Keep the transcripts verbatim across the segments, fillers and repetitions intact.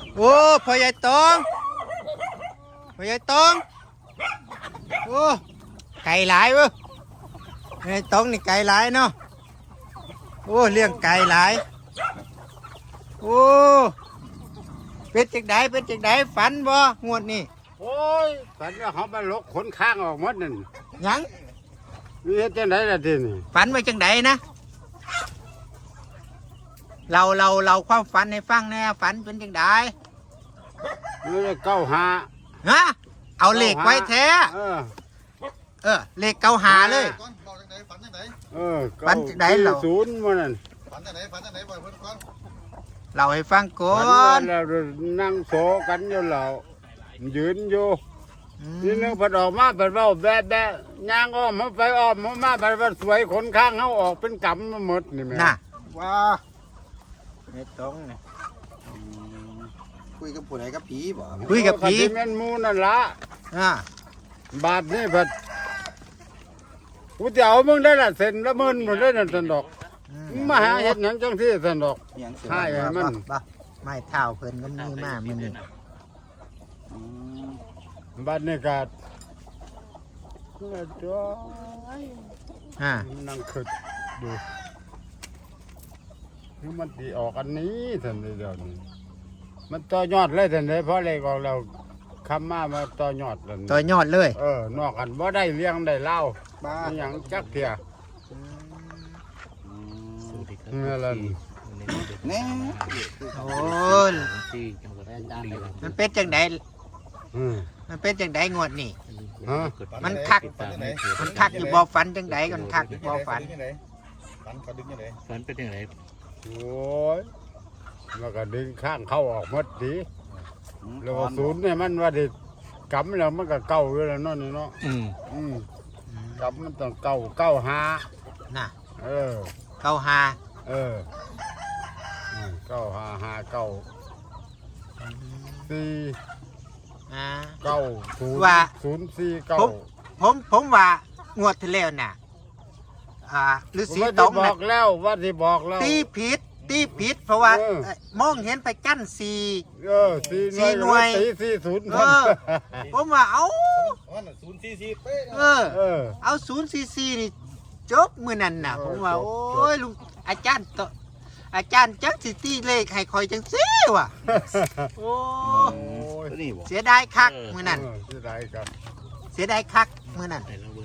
โอ้พ่อใหญ่ตองพ่อใหญ่ตองโอ้ไก่หลายเว้ยพ่อใหญ่ตองนี่ไก่หลายเนาะโอ้เลี้ยงไก่หลายโอ้เป็นจังไดเป็นจังไดฝันบ่งวดนี่โอ้ยฝันว่าเขามาลกขนข้างออกหมดนั่นยังนี่เฮ็ดจังไดล่ะทีนี่ฝันไว้จังไดนะเราเราเราความฝันให้ฟังแน่ฝันเป็นจังไดนี่เก้าหาฮะเอาเลขไว้แท้เออเออเลขเก้าหาเลยเออฝันจังไดเหรอศูนย์มันนั่นฝันจังไดฝันจังไดบ่เพิ่นก่อนเราให้ฟังก่อนแล้วนั่งโซกันอยู่แล้วยืนอยู่นี่นึงพอออกมาเป็นว่าแบะแบะย่างอ้อมมาไปอ้อมมามาไปว่าสวยขนข้างเขาออกเป็นกำมาหมดนี่แม่น่ะว้าไม่ต้องเนี่ยคุยกับผู้ใดกับผีบ่คุยกับผีแม่นมูนั่นละอ่าบาทนี่เพิ่นกูจะเอามึงได้ละเซ็นละหมื่นหมดเลยนั่นสันดอกมาหาเห็ดหยังจังที่สันดอกใช่มันไม่เท่าเพิ่นก็มีมากมันนี่บาทนี่กัดจ้าอ่านั่งขึ้นดูนี่มันตีออกอันนี้สันเดียวนี้มันต่อยอดเลยสันเดียเพราะอะไรของเราคำมามาต่อยอดเลยต่อยอดเลยเออนอกกันว่าได้เลี้ยงได้เล่าบ้าอย่างจักเถียนี่แหละนี่โอ้ยมันเป็นจังไดมันเป็นจังไดงวดนี่มันคักมันคักอยู่บ่ฝันจังไดกันคักอยู่บ่ฝันฝันเขาดึงจังไดฝันเป็นจังไดโอ้ยมันก็ดึงข้างเข้าออกหมดดีแล้วศูนย์เนี่ยมันว่าดิกำแล้วมันก็เก่าอยู่แล้วเนาะนี่เนาะอืมอืมกำมันต้องเก่าเก่าหาน่ะเออเก้าหาเออเก้าหาหาเก้าสี่อ่าเก้าศูนย์ว่าศูนย์สี่เก้าผมผมว่างวดที่แล้วน่ะอ่าฤาษีตองบอกแล้วว่าที่บอกแล้วตีผิดตีผิดเพราะว่ามองเห็นไปกั้นสี่เออสี่หน่วยตีสี่ศูนย์ผมว่าเอาศูนย์สี่สี่เป๊ะเออเอาศูนย์สี่สี่นี่จบมือนั่นน่ะผมว่าโอ้ยลุงอาจารย์ต่ออาจารย์จักสิตีเลขให้คอยจังซี่ว่ะโอ้เสียดายคักมือนั่นเสียดายครับเสียดายคักมือนั่น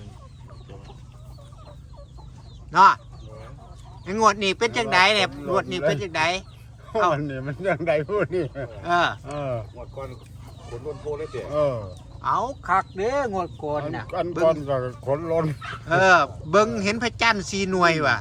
เนาะงวดนี้เป็นจังไดเนี่ยงวดนี้เป็นจังไดเอ้านี่มันจังไดพูดนี่เออเออหมดก่อนขนล้นโพเลยเสียเออเอาคักเด้องวดก่อนน่ะอันก่อนก็ขนล้นเออเบิ่งเห็นพระจันทร์สี่หน่วยว่ะ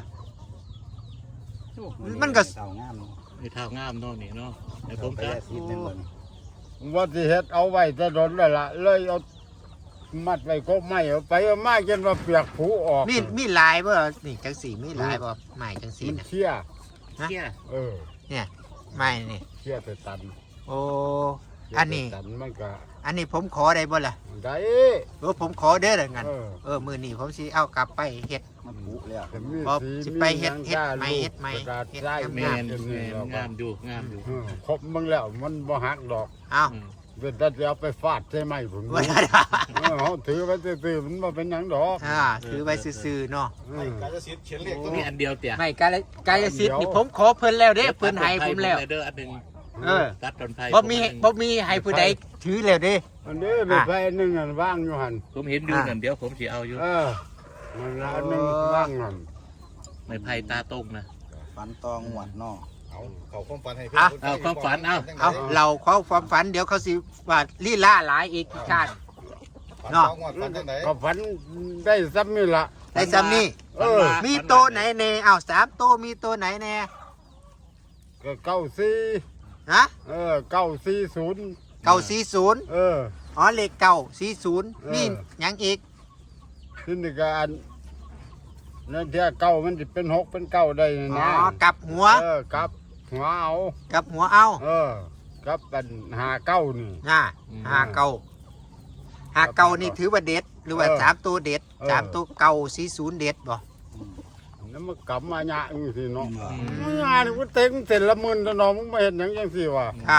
มันก็เท่างามมีเท่างามเนาะนี่เนาะไอ้ผมก็ว่าสิเฮ็ดเอาไว้จะโดนแล้วล่ะเลยเอามัดไว้ก็ไม่เอาไปเอามาจนว่าเปียกผูออกมีมีลายบ่นี่จังสีมีลายบ่ไม้จังสีน่ะเชี่ยเชี่ยเออเนี่ยไม้นี่เชี่ยแต่ตันโอ้อันนี้ตันมันก็อันนี้ผมขอได้บ่ล่ะได้เออผมขอเด้อละงั้นเออมื้อนี้ผมสิเอากลับไปเฮ็ดมันผุแล้วบ่สิไปเฮ็ดเฮ็ดไม้เฮ็ดไม้เฮ็ดงามงามอยู่งามอยู่ครบมึงแล้วมันบ่หักดอกอ้าวเป็นแต่จะเอาไปฟาดใช่ไหมผมเขาถือไว้ซื่อๆมันมาเป็นหยังดอกอ่าถือไว้ซื่อๆเนาะไม่กายสิทธิ์เขียนเลขตัวนี้อันเดียวเตี่ยไม่กายกายสิทธิ์นี่ผมขอเพิ่นแล้วเด้เพิ่นให้ผมแล้วเด้ออันนึงเออตัดต้นไผ่บ่มีบ่มีให้ผู้ใดถือแล้วเด้อันนี้เป็นไผ่นึงอันว่างอยู่หั่นผมเห็นอยู่นั่นเดี๋ยวผมสิเอาอยู่เออมันละอันนึงว่างหั่นไม่ไผ่ตาตรงนะฝันตองหวดเนาะเอาเขาความฝันให้เพิ่นเอาความฝันเอาเอาเราเขาความฝันเดี๋ยวเขาสิว่าลีลาหลายอีกชาติเนาะก็ฝันได้ซ้ำนี่ละได้ซ้ำนี่เออมีโตไหนแน่เอาสามโตมีโตไหนแน่ก็เก้าสี่ฮะเออเก้าสี่ศูนย์เก้าสี่ศูนย์เอออ๋อเลขเก้าสี่ศูนย์นี่ยังอีกที่นี่ก็อันนั่นเท่าเก้ามันจะเป็นหกเป็นเก้าได้นะอ๋อกลับหัวเออกลับหัวเอากลับหัวเอาเออกับเป็นหาเก้านี่น่ะหาเก้าหาเก้านี่ถือว่าเด็ดหรือว่าสามตัวเด็ดสามตัวเก้าสี่ศูนย์เด็ดบ่นั่นมันกลับมาหยาอย่างสิเนาะหยาเนี่ยมันเต็งเสร็จละหมื่นละน้องมึงไม่เห็นอย่างยังสิวะครับ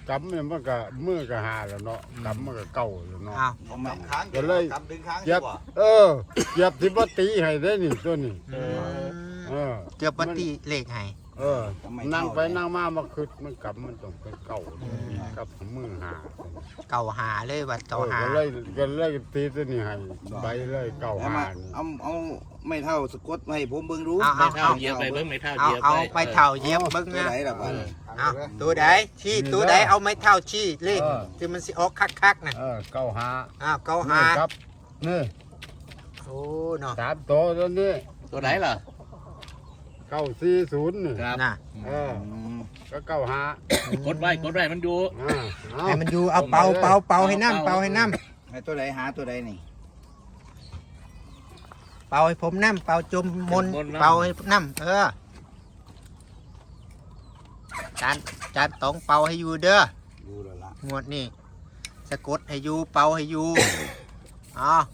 กำเนี่ยมันก็มือก็หาแล้วเนาะกำมันก็เก่าแล้วเนาะอ้าวผมกำค้างก็เลยกำดึงค้างเหยียบดีกว่าเออเหยียบที่บ่ตีให้ได้นี่ตัวนี้อืมเออเกือบปฏิเลขให้เออนั่งไปนั่งมามาคึดมันกำมันต้องเป็นเก่ากับมือหาเก่าหาเลยว่าเอเก่าอหาก็เลยก็เลยตีตัวนี้ให้ใบเลยเก่าเอาหามานี่เอาเอาไม่เท่าสะกดมาให้ผมเบิ่งรู้เอาไม่เท่าเหยียบไปเบิ้งไม่เท่าเอาเหยียบเอาไปไปเท่าเหย็บเบิ้งตัวนะไหนล่ะบ้านเอาตัวใดชี้ตัวใดเอาไม้เท่าชี้เลขที่มันสิออกคักๆนะเออเก่าหาอ้าวเก่าหานี่ครับนี่โอ้เนาะสามตัวตัวนี้ตัวไหนล่ะเก้าสี่ศูนย์นี่ครับน่ะเออก็เก้าหากดไว้กดไว้มันอยู่อ่าเอาให้มันอยู่เอาเป่าเป่าเป่าให้น้ำเป่าให้น้ให้ตัวไหนหาตัวไหนนี่ำเป่าให้ผมน้ำเป่าจมมนต์เป่าให้น้ำเออจานจานต้องเป่าให้อยู่เด้อดูแล้วล่ะงวดนี่สะกดให้อยู่เป่าให้อยู่อ๋อ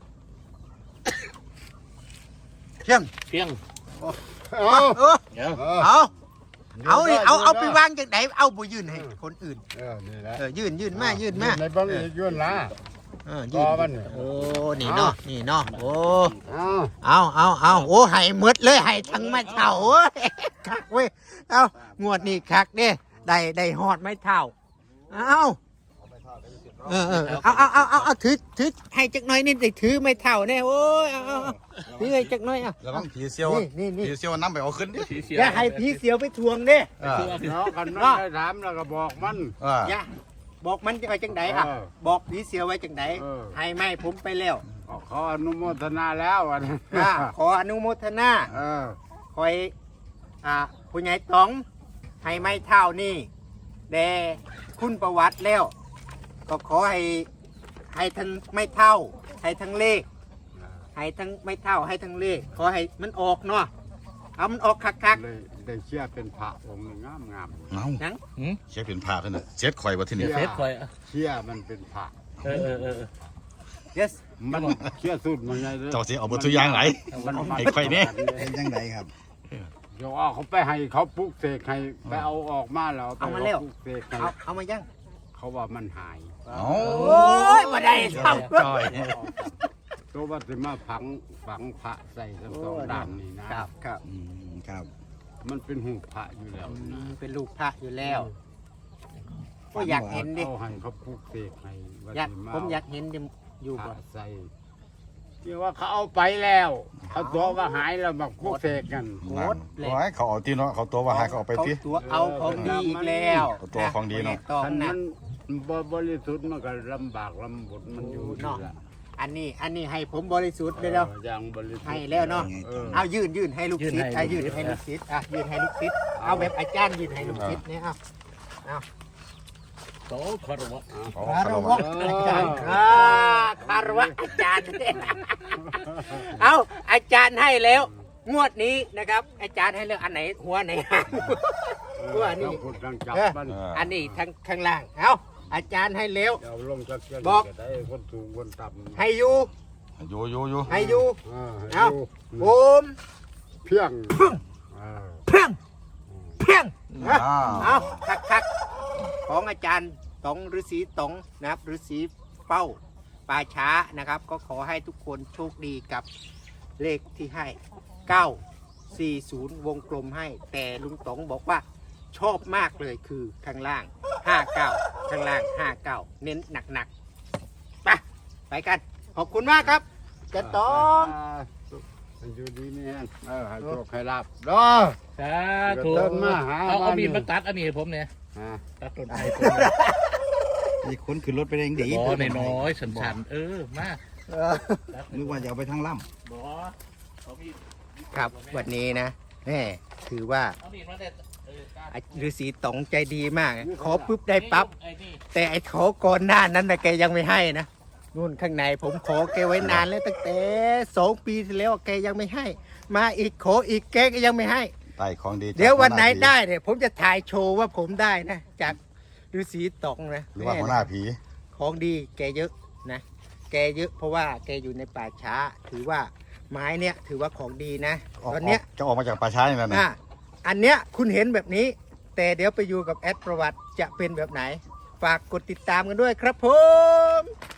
เพียงเพียงเอาเออเดี๋ยวเออเอาเอานี่เอาเอาไปยืนด้วางจากไหนเอาไปยื่นให้คนอื่นเออนี่แหละเออยื่นยื่นมายื่นมาในบ้านอีกยื่นละเออยื่นต่อมันนี่โอ้นี่เนาะนี่เนาะโอ้เอาเอาเอาเอาโอ้ให้หมดเลยให้ทั้งไม้เท่าเว้ยคักเว้ยเอางวดนี่คักเด้ได้ได้หอดไม้เท่าเอาเออเออเอาเอาเอาเอาเอาถือถือให้จักหน่อยนี่ได้ถือไม้เท่าแน่โอ้ยเอาเอาเอาถือให้จักหน่อยเอาแล้วต้องผีเซียวนี่นี่นี่ผีเซียวน้ำไปเอาขึ้นดิสีเสียอย่าให้ผีเสียวไปทวงเด้เออเนาะกันมันได้ถามแล้วก็บอกมันเอออย่าบอกมันจะไปจังไดอ่ะเออบอกผีเสียวไว้จังไดเออให้ไม่ผมไปแล้วขออนุโมทนาแล้วอันนี้อ่าขออนุโมทนาเออคอยอ่าผู้ใหญ่ตองให้ไม่เท่านี่แด่คุณประวัติแล้ว ก็ขอให้ให้ทั้งไม่เท่า ให้ทั้งเลข ให้ทั้งไม่เท่าให้ทั้งเลข ขอให้มันออกเนาะเอามันออกคักได้ได้เชื่อเป็นพระองค์หนึ่งงามงามเอาๆหนังหืมเช็คเป็นผ้าท่านน่ะเช็ดข่อยว่าที่เดี๋นี่ยวเฟซคอยอ่ะเชื่อมันเป็นพระเออเออเออ yes มันเชื่อสุดมันไงเจ้าสิเอาเบททุกอย่างไหนมันไอ้ข่อยนี่เป็นยังไงครับเดี๋ยวเอาเขาไปให้เขาปลุกเสกให้ไปเอาออกมาแล้วไปปลุกเสกให้เอาเอามายังเขาว่ามันหายเอาโอ้ยมาได้เท่าจอยตัวว่าจะมาฝังฝังพระใส่ทั้งสองด้านนี่นะครับครับอืมครับมันเป็นหูพระอยู่แล้วอืนะมเป็นลูกพระอยู่แล้วก็อยากเห็นดิเอาให้เขาปลุกเสกให้ว่าอยากสิผมอยากเห็นดิอยู่พบ่ระใส่ที่ว่าเขาเอาไปแล้วเขาตัวว่าหายแล้วมาปลุกเสกกันโคตรเลยโอ้ยเขาเอาที่เนาะเขาตัวว่าหาเขาเอาไปที่ตัวเอาของดีอีกแล้วเอาตัวของดีเนาะตองคันนะมันบ่บริสุทธิ์มันก็ลำบากลำบนมันอยู่นี่แหละอันนี้อันนี้ให้ผมบริสุทธิ์เลยเนาะอออย่างบริสุทธิ์ให้แล้วเนาะเออเอายื่นยื่นให้ลูกศิษย์อ่ะยื่นให้ลูกศิษย์อ่ะยื่นให้ลูกศิษย์เอาแบบอาจารย์ยื่นให้ลูกศิษย์เนี่ยเอาโตคารวะเขาคารเขาวะอาจารย์อ่าคารวะอาจารย์เอาอาจารย์ให้แล้ว งวดนี้นะครับ อาจารย์ให้แล้วอันไหนหัวไหนหางหัวนี่ต้องพูดดังจับมันอันนี้ทางข้างล่างเอาอาจารย์ให้แล้วเดี๋ยวลงจากเชืบอกก็ได้คนสูงคนต่ำให้อยู่อยู่อยู่อยู่ให้อยู่เออให้เอาดูผมเพียงเออเพียงเพียงอ้าวเอาคักคักของอาจารย์ตองฤาษีตองนะครับฤาษีเป้าป่าช้านะครับ ก็ขอให้ทุกคนโชคดีกับเลขที่ให้เก้าสี่ศูนย์วงกลมให้ แต่ลุงตองบอกว่าชอบมากเลยคือข้างล่างห้าเก้าข้างล่างห้าเก้าเน้นหนักๆไปไปกัน ขอบคุณมากครับจะตองมันอยู่ดีนี่ฮะเออให้โชคให้ลาบรอสาธุเดินมาหาเอาเอาบ้านมีดนี่มาตัดอันนี้ให้ผมเนี่ยฮะตัดต้นไม้ผมเนี่ยมีคนขึ้นรถไปเองดีบ่น้อยๆสันๆเออมาตัดนึกว่าจะเอาไปทางล่บ่เอามีดครับวันนี้นะแม่ถือว่าเอามีดมาเด็ดเออตัดฤาษีตองใจดีมาก ขอปุ๊บได้ปั๊บไอ้นี่แต่ไอ้ขอก่อนหน้านั้นนะแกยังไม่ให้นะนู่นข้างในผมขอแกไว้นานแล้วตั้งแต่สองปีที่แล้วแกยังไม่ให้ มาอีกขออีกแกก็ยังไม่ให้ไต่ของดีจากเดี๋ยววันไหนหัาผีได้เนี่ยผมจะถ่ายโชว์ว่าผมได้นะ จากฤาษีตองนะหรือว่าหัวหน้าผีของดีแกเยอะนะ แกเยอะเพราะว่าแกอยู่ในป่าช้า ถือว่าไม้เนี่ยถือว่าของดีนะออกตอนเนี้ยจะออกมาจากป่าช้าอย่างนั้นนะอ่ะอันเนี้ยคุณเห็นแบบนี้แต่เดี๋ยวไปอยู่กับแอดประวัติจะเป็นแบบไหน ฝากกดติดตามกันด้วยครับผม